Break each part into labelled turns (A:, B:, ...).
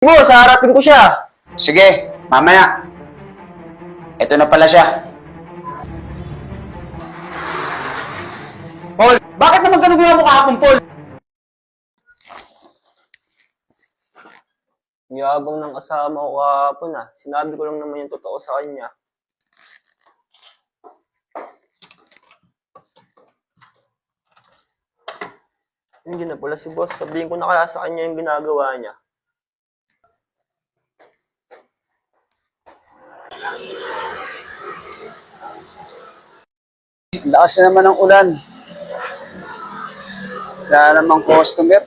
A: Boss, haharapin ko siya.
B: Sige, mamaya. Ito na pala siya.
A: Paul, bakit naman ganun ginawa mo kahapon, Paul? Yabang ng kasama ko kahapon ah. Sinabi ko lang naman yung totoo sa kanya. Hindi na pala si boss. Sabihin ko na kaya sa kanya yung ginagawa niya.
B: Lakas na naman ng ulan. Wala namang customer.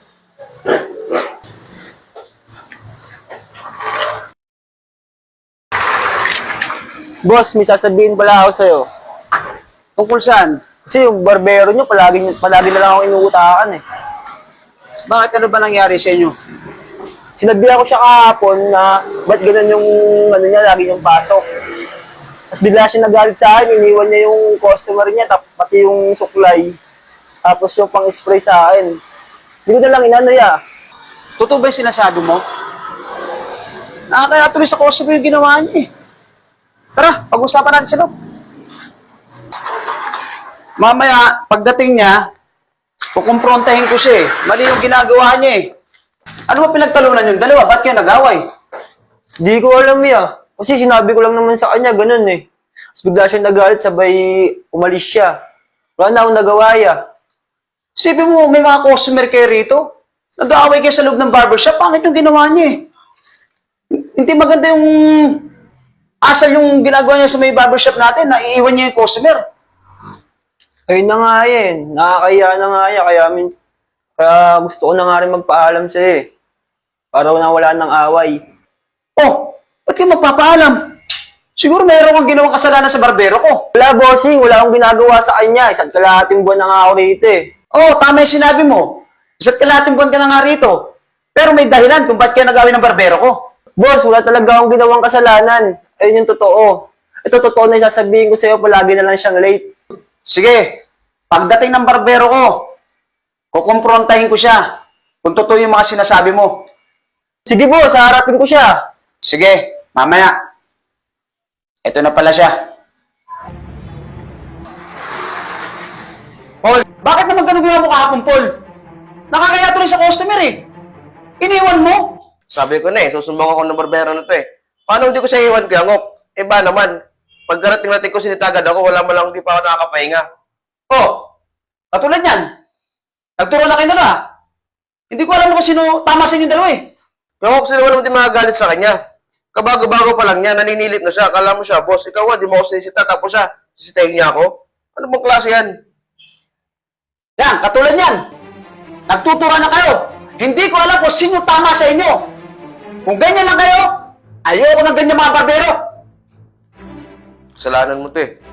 A: Boss, may sasabihin pala ako sa'yo.
B: Tungkol saan?
A: Kasi yung barbero niyo, palagi na lang ako inuutakan eh.
B: Bakit ano ba nangyari sa inyo?
A: Sinabihan ko siya kahapon na ba't ganun yung ano niya, lagi yung pasok. Tapos bigla siya nagalit sa akin, iniwan niya yung customer niya, pati yung suklay. Tapos yung pang-spray sa akin. Hindi ko na lang inano ya.
B: Totoo ba yung sinasabi mo? Nakakaya tuloy sa customer yung ginawa niya eh. Tara, pag-usapan natin sa loob. Mamaya, pagdating niya, kukumprontahin ko siya eh. Mali yung ginagawa niya eh. Ano ba pinagtalunan yung dalawa? Ba't kayo nag-away?
A: Hindi ko alam ya. Kasi sinabi ko lang naman sa kanya, ganun eh. Tapos bigla siya nagalit, sabay umalis siya. Wala na akong nagawa ya.
B: Sabi mo, may mga customer kayo rito. Nag-aaway kayo sa loob ng barbershop. Pangit yung ginawa niya eh. Hindi maganda yung asal yung ginagawa niya sa may barbershop natin. Naiiwan niya yung customer.
A: Ayun na nga yan. Nakakaya na nga yan. Kaya gusto ko na nga rin magpaalam sa'yo eh. Para na wala ng away.
B: Oh, ba't kayo magpapaalam? Siguro mayroon kang ginawang kasalanan sa barbero ko.
A: Wala bossing, wala akong ginagawa sa kanya. Isang kalahating buwan na nga ako rito eh.
B: Oh, tama yung sinabi mo. Isa't kalahating buwan ka na nga rito. Pero may dahilan kung ba't kayo nagawin ng barbero ko.
A: Boss, wala talaga akong ginawang kasalanan. Ayun yung totoo. Ito totoo na yung sasabihin ko sa'yo, palagi na lang siyang late.
B: Sige, pagdating ng barbero ko, kukumprontahin ko siya kung totoo yung mga sinasabi mo.
A: Sige boss, haharapin ko siya.
B: Sige, mamaya. Ito na pala siya. Paul, bakit naman ganun ginawa mo kahapon, Paul? Nakakaya tuloy sa customer eh. Iniwan mo.
C: Sabi ko na eh, susumbong ako ng barbero na to eh. Paano hindi ko siya iwan, Kuya Ngok? Iba naman. Pagkarating-rating ko, sinitagad ako, wala man lang hindi pa ako nakakapahinga.
B: Oh, katulad yan. Nagturo na kayo na. Hindi ko alam kung sino tama sa inyo dalawa eh.
C: Kuya Ngok, sino walang di magagalit sa kanya? Kabago-bago pa lang niya, naninilip na siya. Akala mo siya, boss, ikaw di mo ako sinisita, tapos siya, sisitahin niya ako? Ano bang klase yan?
B: Yan, katulad yan. Nagtutura na kayo. Hindi ko alam kung sino tama sa inyo. Kung ganyan lang kayo, ayoko ng ganyan mga barbero.
C: Kasalanan mo to eh.